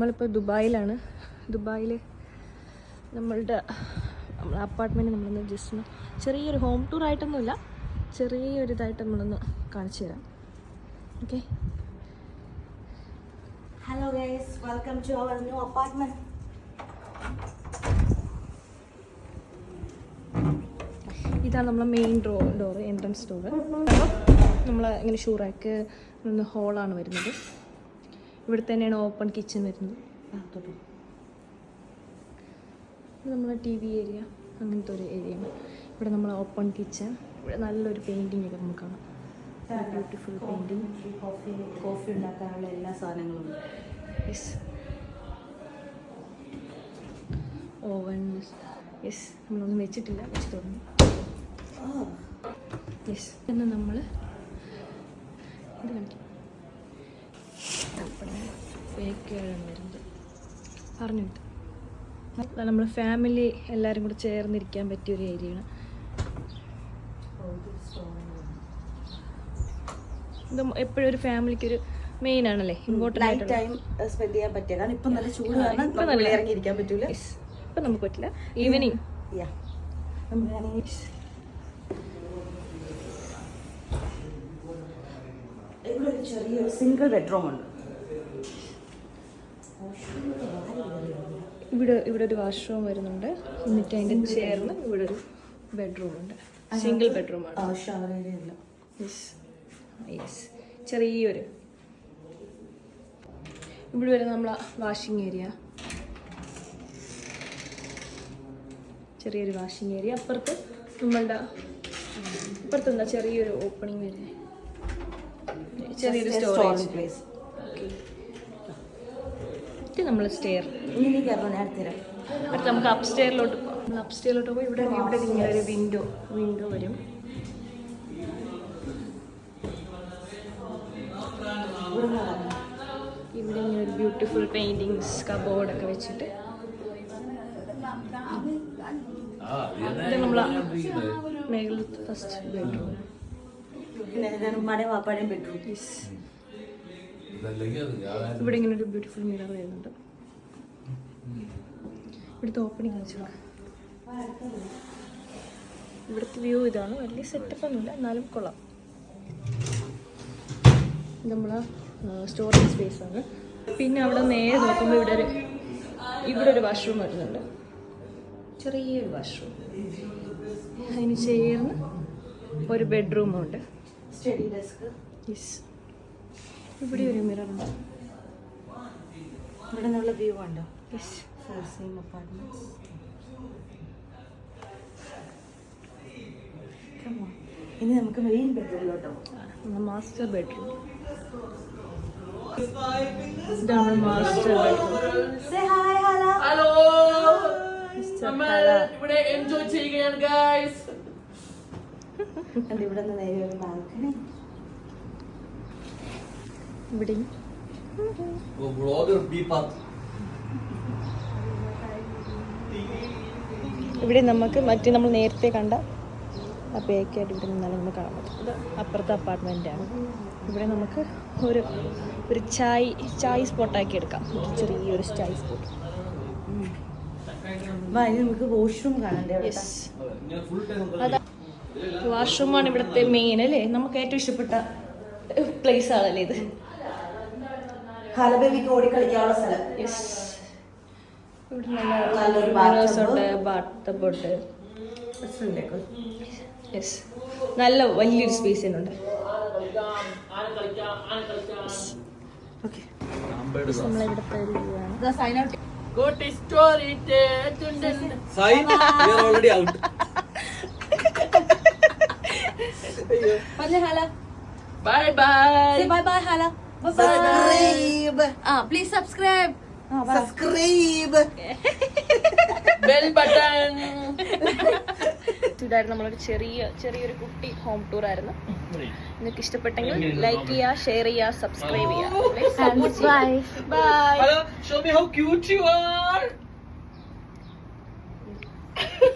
നമ്മളിപ്പോൾ ദുബായിലാണ്. ദുബായിൽ നമ്മളെ അപ്പാർട്ട്മെൻറ്റ് നമ്മളൊന്ന് ജസ്റ്റ് ഒന്ന് ചെറിയൊരു ഹോം ടൂർ ആയിട്ടൊന്നുമില്ല, ചെറിയൊരു ഇതായിട്ട് നമ്മളൊന്ന് കാണിച്ചു തരാം. Okay, hello guys, welcome to our new apartment. ഇതാണ് നമ്മളെ മെയിൻ ഡോറ്, എൻട്രൻസ് ഡോറ്. നമ്മൾ ഇങ്ങനെ ഷൂറാക്ക് ഒന്ന് ഹോളാണ് വരുന്നത്. ഇവിടെ തന്നെയാണ് ഓപ്പൺ കിച്ചൺ വരുന്നത്. ഇത് നമ്മളെ ടി വി ഏരിയ, അങ്ങനത്തെ ഒരു ഏരിയയാണ്. ഇവിടെ നമ്മൾ ഓപ്പൺ കിച്ചൺ. ഇവിടെ നല്ലൊരു പെയിൻറ്റിങ് ഒക്കെ നമുക്ക് കാണാം. Beautiful painting. കോഫി ഉണ്ടാക്കാനുള്ള എല്ലാ സാധനങ്ങളും ഉണ്ട്. Yes, oven. യെസ്, നമ്മളൊന്നും വെച്ചിട്ടില്ല, വെച്ച് തുടങ്ങി. യെസ്, എന്ന് നമ്മൾ ഇത് കാണിക്കാം. ബേക്കാണ് വരുന്നത്. പറഞ്ഞിട്ട് നമ്മൾ ഫാമിലി എല്ലാവരും കൂടെ ചേർന്നിരിക്കാൻ പറ്റിയൊരു ഏരിയയാണ്. ഇത് എപ്പോഴും ഒരു ഫാമിലിക്ക് ഒരു മെയിൻ ആണല്ലേ, ഇമ്പോർട്ടൻ്റ് ടൈം സ്പെൻഡ് ചെയ്യാൻ പറ്റിയ. കാരണം ഇപ്പം നല്ല ചൂട് കാരണം നല്ല ഇറങ്ങിയിരിക്കാൻ പറ്റൂല. ഇപ്പം നമുക്ക് പറ്റില്ല. ഈവനിങ് ഇവിടെ ഒരു ചെറിയൊരു സിംഗിൾ ബെഡ്റൂം ഉണ്ട്. ഇവിടെ ഒരു വാഷ്റൂം വരുന്നുണ്ട്. എന്നിട്ട് അതിൻ്റെ ചേർന്ന് ഇവിടെ ഒരു ബെഡ്റൂം ഉണ്ട്. സിംഗിൾ ബെഡ്റൂമാണ്. ഷവർ ഏരിയ ഇല്ല. യെസ് യെസ്, ചെറിയൊരു ഇവിടെ വരുന്ന നമ്മളെ വാഷിംഗ് ഏരിയ. ചെറിയൊരു വാഷിംഗ് ഏരിയ. അപ്പുറത്ത് നമ്മളുടെ അപ്പുറത്തെന്താ ചെറിയൊരു ഓപ്പണിങ് വരുന്നത്, ചെറിയൊരു സ്റ്റോറേജ് പ്ലേസ്. ഇത് നമ്മൾ സ്റ്റെയർ. ഇനി കയറണം, ഞാൻ തരാം. എന്നിട്ട് നമുക്ക് അപ്സ്റ്റെയറിലോട്ട് പോകാം. നമ്മൾ അപ്സ്റ്റെയറിലോട്ട് പോയി ഇവിടെ ഇങ്ങനെ ഒരു വിൻഡോ വരും. ഇവിടെ ഇങ്ങനെ ഒരു ബ്യൂട്ടിഫുൾ പെയിൻറ്റിങ്സ്, കബോർഡൊക്കെ വെച്ചിട്ട്. ഇത് നമ്മളെ മേഖലത്തെ ഫസ്റ്റ് ബെഡ്റൂം. ഉമ്മാടെയും വാപ്പാടെയും ബെഡ്റൂം. ഇവിടെ ഇങ്ങനെ ഒരു ബ്യൂട്ടിഫുൾ മിറർ വരുന്നുണ്ട്. ഇവിടുത്തെ ഓപ്പണിങ് കാണിച്ചു. ഇവിടുത്തെ വ്യൂ ഇതാണ്. വലിയ സെറ്റപ്പ് ഒന്നുമില്ല, എന്നാലും കൊള്ളാം. ഇത് നമ്മളെ സ്റ്റോറേജ് സ്പേസ് ആണ്. പിന്നെ അവിടെ നേരെ നോക്കുമ്പോൾ ഇവിടെ ഒരു വാഷ്റൂം വരുന്നുണ്ട്, ചെറിയൊരു വാഷ്റൂം. അതിന് ചേർന്ന് ഒരു ബെഡ്റൂമുണ്ട്. Study desk. യെസ്, ഇവിടെ ഒരു മിററുണ്ട്. ഇവിടെ നിന്നുള്ള വ്യൂ ഉണ്ടോ? Yes, same apartments. ഇനി നമുക്ക് മെയിൻ ബെഡ്റൂമിലോട്ട് പോകാം. Master bedroom. ഇതാണ് master bedroom. Say hi, Hala. Hello, Hala. ഇവിടെ എൻജോയ് ചെയ്യുകയാണ് ഗൈസ്. ഇവിടെ നിന്ന് നേരെ ഒരു ബാൽക്കണി. ഇവിടെയും ഇവിടെ നമുക്ക് നമ്മൾ നേരത്തെ കണ്ട ആ ബേക്കായിട്ട് ഇവിടെ നിന്നാലും നമുക്ക് കാണാൻ പറ്റും. ഇത് അപ്പുറത്തെ അപ്പാർട്ട്മെൻറ്റാണ്. ഇവിടെ നമുക്ക് ഒരു ചായ് സ്പോട്ടാക്കി എടുക്കാം. ചെറിയൊരു ചായ് സ്പോട്ട്. നമുക്ക് വാഷ്റൂം കാണണ്ടേ? യെസ്, അതാ വാഷ്റൂമാണ് ഇവിടുത്തെ മെയിൻ അല്ലേ. നമുക്ക് ഏറ്റവും ഇഷ്ടപ്പെട്ട പ്ലേസ് ആണല്ലേ ഇത്. ഹാലബേബിക്ക് ഓടിക്കളിക്കാനുള്ള സ്ഥലം. യെസ്, ഇവിടെ നല്ലൊരു ബാത്ത് ടബ് ഉണ്ട്. യെസ്, നല്ല വലിയൊരു സ്പേസ് തന്നെയുണ്ട്. നമ്മളിവിടുത്തെ ഒരു വ്യൂ ആണ്. Sign out. Good story. Sign, we are already out. പറഞ്ഞ ഹാല. Bye bye. Say bye bye, Hala. Bye bye. Subscribe. Please subscribe. Subscribe. Bell button. ഇതായിരുന്നു നമ്മളൊരു ചെറിയൊരു കുട്ടി ഹോം ടൂർ ആയിരുന്നു. നിങ്ങൾക്ക് ഇഷ്ടപ്പെട്ടെങ്കിൽ ലൈക്ക് ചെയ്യുക, ഷെയർ ചെയ്യുക, സബ്സ്ക്രൈബ് ചെയ്യുക. Bye. Hello, show me how cute you are.